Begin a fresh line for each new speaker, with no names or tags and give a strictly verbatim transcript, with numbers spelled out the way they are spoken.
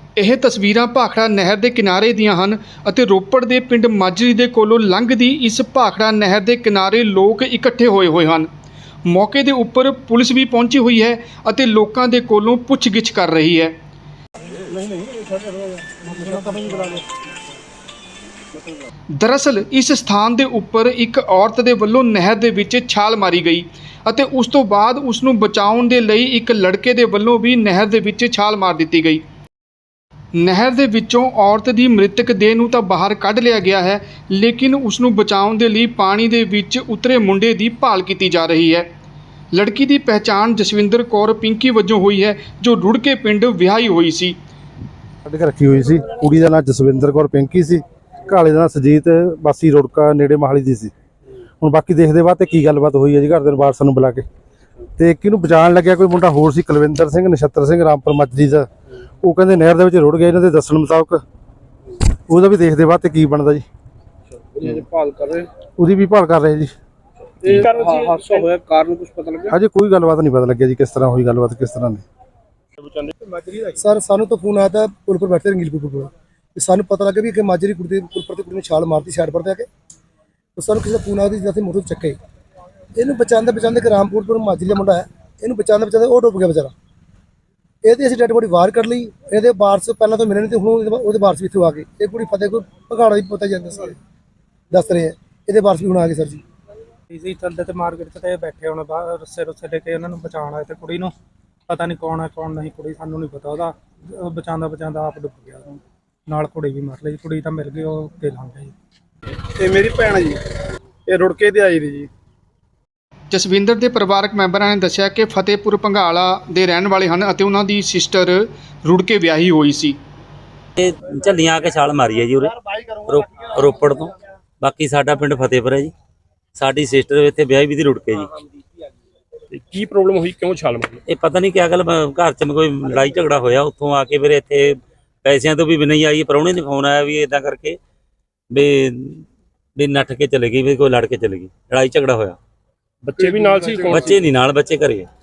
ਇਹ ਤਸਵੀਰਾਂ ਭਾਖੜਾ ਨਹਿਰ ਦੇ ਕਿਨਾਰੇ ਦੀਆਂ ਹਨ ਅਤੇ ਰੋਪੜ ਦੇ ਪਿੰਡ ਮਾਜਰੀ ਦੇ ਕੋਲੋਂ ਲੰਘਦੀ ਇਸ ਭਾਖੜਾ ਨਹਿਰ ਦੇ ਕਿਨਾਰੇ ਲੋਕ ਇਕੱਠੇ ਹੋਏ ਹੋਏ ਹਨ। ਮੌਕੇ ਦੇ ਉੱਪਰ ਪੁਲਿਸ ਵੀ ਪਹੁੰਚੀ ਹੋਈ ਹੈ ਅਤੇ ਲੋਕਾਂ ਦੇ ਕੋਲੋਂ ਪੁੱਛਗਿੱਛ ਕਰ ਰਹੀ ਹੈ। दरअसल इस स्थान के उपर एक औरत के वलों नहर के विच छाल मारी गई ਅਤੇ उस तो बाद उसनूं बचाउण दे लई एक लड़के के वलों भी नहर के विच छाल मार दी गई। नहर के विचों औरत की मृतक देह नूं तां बाहर कढ़ लिया गया है, लेकिन उसनूं बचाउण दे लई पानी के विच उतरे मुंडे की भाल की जा रही है। लड़की की पहचान जसविंदर कौर पिंकी वजों हुई है, जो रुड़के पिंड विआही हुई सी।
रखी हुई सी कुड़ी दा नाम जसविंदर कौर पिंकी सी, घाले का सुजीत बासी रुड़का नेड़े माहली दी सी। ਹੁਣ बाकी देखते बाद की गलबात हुई है जी घर के वारसां नूं बुला के तो किनूं बचाउण लग्या कोई मुंडा होर सी कुलविंदर सिंह नछत्तर सिंह रामपुर मजरी दा, वो कहंदे नहर दे विच रुड़ गया। इन्हां दे दस्सण मुताबक ਉਹਦਾ भी देखते बाद की बनदा जी,
भाल कर रहे
ਉਹਦੀ भी भाल कर रहे जी।
हादसा होया कारण कुछ पता लगा?
अजे कोई गलबात नहीं पता लग्या जी किस तरह हुई गलबात किस तरह नहीं।
सर सानू तो फोन आया था पुल पर बैठे रंगील पुल पर, सानू पता लगा भी कि माजरी कुड़ी पुल पर कुड़ी ने छाल मारती साइड पर जाके, तो सानू किसी फोन आया जिससे मोटर चक्के इनू बचाते बचाते कि रामपुर पर माजरी का मुंडा है, इनू बचाते बचाते वो डुब गया बेचारा। ये असीं डैड बॉडी बाहर कर ली, ये वारस पहले तो मिले नहीं थे, हूँ वो वारस भी इतों आ गए। ये कुड़ी फतेह कोई भगाड़ा भी पता ही दस रहे हैं, ये वारस भी हूँ आ गए। सर जी
इसी चलते तो मार्केट से बैठे होने बाहर रस्से रुस्से लेके उन्होंने बचाना आए तो कुड़ी नूं पता नहीं कौन है कौन नहीं, कुड़ी सानू नहीं पता, वह बचाता बचाता आप डुब गया, नाल कुड़ी भी मर ली। कुड़ी तो मिल गई, वो के लंघ गई।
ये मेरी भैन है जी, ये रुड़के ते आई थी जी।
जसविंदर के परिवारक मैंबरां ने दस्सिया कि फतेहपुर भंगाला दे रहण वाले हन अते उन्हां दी सिस्टर रुड़के विआही होई सी।
झल्लियां आके छाल मारी है जी उरे रो, रोपड़ तो। बाकी साडा पिंड फतेहपुर है जी, साडी सिस्टर इत्थे विआही भी दी रुड़के जी।
की प्रॉब्लम हुई, क्यों छाल मारी?
ये पता नहीं क्या गल घर च कोई लड़ाई झगड़ा होया, उत्थों आके फिर इत्थे पैसिਆਂ तो भी नहीं आई। प्राहुणे ने फोन आया भी इदां करके भी भी नठ के चले गई, भी कोई लड़ के चले गई, लड़ाई झगड़ा होया।
बच्चे भी नाल सी?
बच्चे नहीं नाल, बच्चे घरे।